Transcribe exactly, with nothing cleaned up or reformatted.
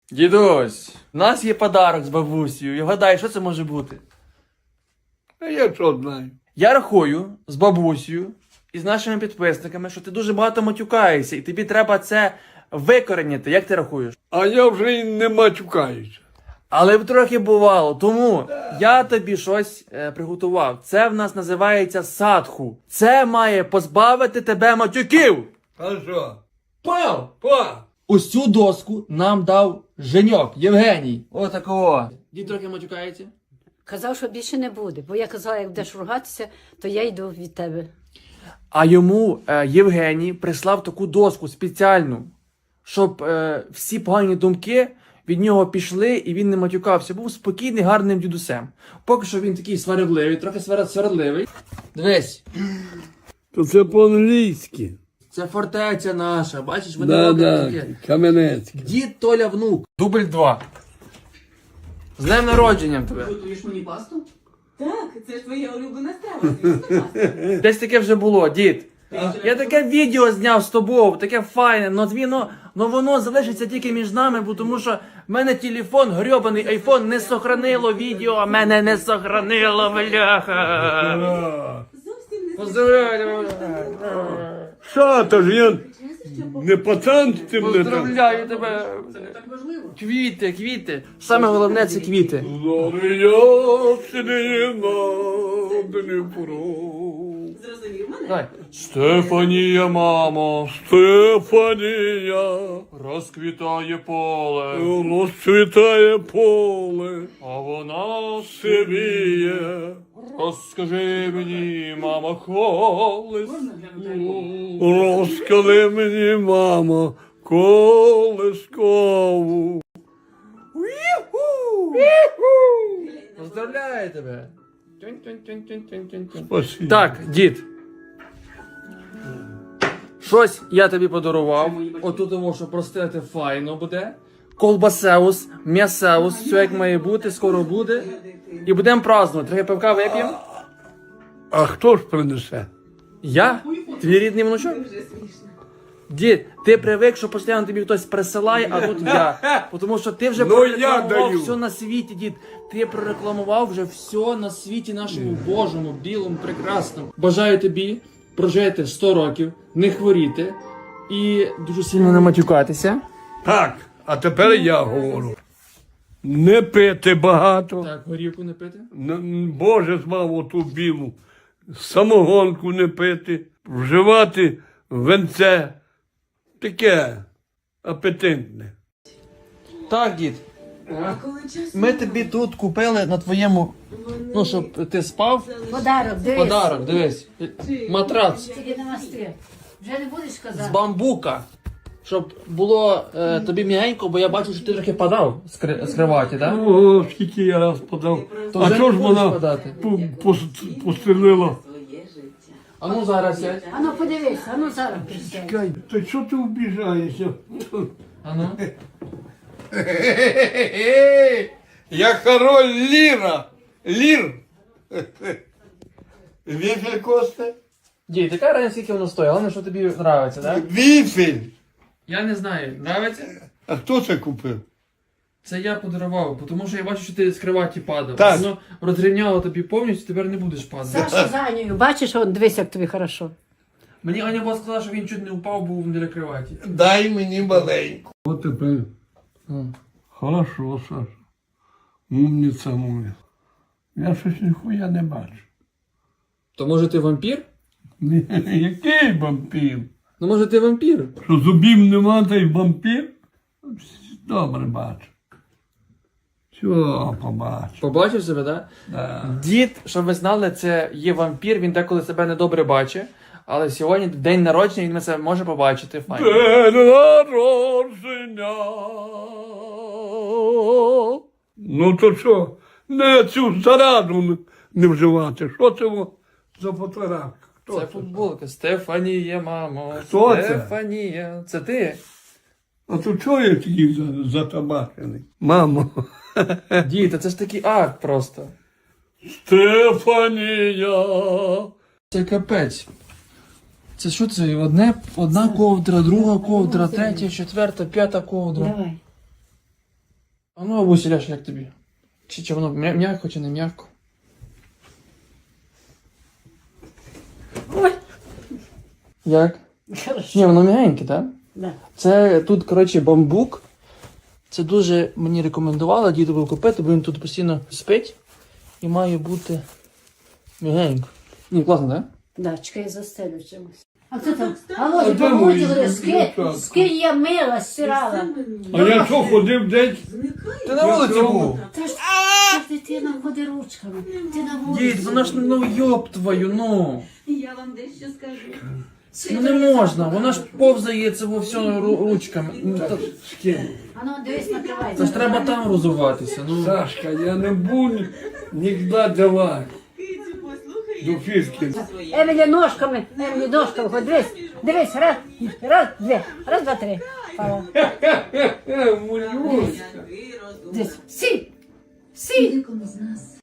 Дідусь, у нас є подарок з бабусею. І гадай, що це може бути? А я що знаю? Я рахую з бабусею і з нашими підписниками, що ти дуже багато матюкаєшся, і тобі треба це викоренити. Як ти рахуєш? А я вже й не матюкаюся. Але б трохи бувало, тому я тобі щось е, приготував. Це в нас називається садху. Це має позбавити тебе матюків. А що? Пав! Па! Ось цю доску нам дав Женьок, Євгеній. Отакого. Дід трохи матюкається. Казав, що більше не буде, бо я казала, як будеш ругатися, то я йду від тебе. А йому е, Євгеній прислав таку доску спеціальну, щоб е, всі погані думки від нього пішли і він не матюкався. Був спокійний, гарним дідусем. Поки що він такий сварливий, трохи сварливий. Дивись, То це по-англійськи. це фортеця наша, бачиш, вони Да, роблять да, таке. Кам'янецьке. Дід Толя внук. Дубль два. З днем народженням тебе. Готуєш мені пасту? Так, це ж твоя улюблена страва, звісно, паста. Десь таке вже було, дід. Я таке відео зняв з тобою, таке файне, но воно, но воно залишиться тільки між нами, бо тому що в мене телефон, грьобаний айфон, не сохранило відео, а мене не сохранило, бляха. Зовсім не Поздравляю, Що, то ж я не пацан з цим не там. поздравляю тебе. Це не так важливо. Квіти, квіти. Саме головне це квіти. Зрозумів мене? Давай. Стефанія, мамо, Стефанія, розквітає поле, розцвітає поле, а вона сивіє. розкажи мені, мама, колись. Можна глянути альбом? Розкажи мені, мамо, колискову. Поздравляю тебе. Спасибо. Так, дід. Щось я тобі подарував. Отут тому, що простити файно буде. Колбасеус, м'ясеус, все як має бути, скоро буде. І будемо празднувати. Трохи пивка вип'ємо. А хто ж принесе? Я? Твій рідний внучок? Дуже смішно. Дід, ти привик, що постійно тобі хтось присилає, а тут я. Тому що ти вже Ну, я прорекламував даю. все на світі, дід. Ти прорекламував вже все на світі нашому Божому, білому, прекрасному. Бажаю тобі прожити сто років, не хворіти і дуже сильно не матюкатися. Так, а тепер я говорю. Не пити багато. Так, горівку не пити. Н- Боже змав оту білу. Самогонку не пити. Вживати венце. Таке апетитне. Так, дід. Ми тобі тут купили на твоєму, ну, щоб ти спав. Подарок, дивись. Подарок, дивись. Матрац. Тільки не мастри. Вже не будеш З казати. бамбука. Щоб було е, тобі м'ягенько, бо я бачу, що ти трохи падав з, кри- з криваті, так? О, скільки я раз подав. То А вже чого не ж будеш вона подати? пу- пос- пострілила? Своє життя. А ну зараз сядь. А ну подивись, а ну зараз присядь. Кай, та що ти вбіжаєшся? А ну. Я король Ліра. Лір. Віфель Косте? Дій, така разниця, скільки воно стоїть, головне, що тобі подобається, так? Віфель. Я не знаю, подобається? А хто це купив? Це я подарував, тому що я бачу, що ти з криваті падав. Так. Воно розрівняло тобі повністю, тепер не будеш падати. Саша за Анею, бачиш, он, дивись, як тобі хорошо. Мені Аня була сказала, що він чуть не впав, був біля криваті. Дай мені маленьку. От тепер. Ну. Хорошо, Саша. Умниця моя. Я щось ніхуя не бачу. То може ти вампір? Ні, який вампір? Ну може ти вампір? Що зубів нема, та й вампір? Добре бачу. Що побачу? Побачив себе, так? Да. Дід, щоб ви знали, це є вампір, він деколи себе недобре бачить. Але сьогодні день народження, він це може побачити. Файно. День народження. Ну то що? Не цю зараду не вживати. Що це во за фотографія? Хто Це футболка. Стефанія, мамо. Хто це? Стефанія. Це ти? А то чого я такий за- затабачений? Мамо. Дід, та це ж такий акт просто. Стефанія. Це капець. Це що це? Одне, одна ковдра, друга ковдра, третя, четверта, п'ята ковдра. Давай. Ну, бабуся, Ляш, як тобі? Чи, чи воно м'я- м'яко, чи не м'яко? Ой, Як? хорошо. Ні, воно м'ягеньке, так? Да. Це тут, коротше, бамбук. Це дуже мені рекомендували дідову купити, бо він тут постійно спить і має бути м'ягенько. Ні, класно, так? Да, чекай, я застелю чимось. А хто там? А Алло, де мої помогли, скинь, дівчатка? скинь я мила, стирала. А я що ходив десь? Ти на вулиці був. Та ж та ж дитина ходить ручками. Ти на вулиці. Дід, вона ж, ну, йоб твою, ну. Я вам дещо скажу. Ну не можна, вона ж повзає це во все ру- ручками. Ну, та- А ну, дивись, накривай. Це ж треба там розуватися, ну. Сашка, я не буду ніколи давати Кицю, послухай, до як фішки. своє. Емілі ножками, Емілі ножками, хоч дивись, дивись, раз, раз, дві, раз, два, три. Пала. Е, мулюшка. Який розум. Дивись, сі, сі. Декому з нас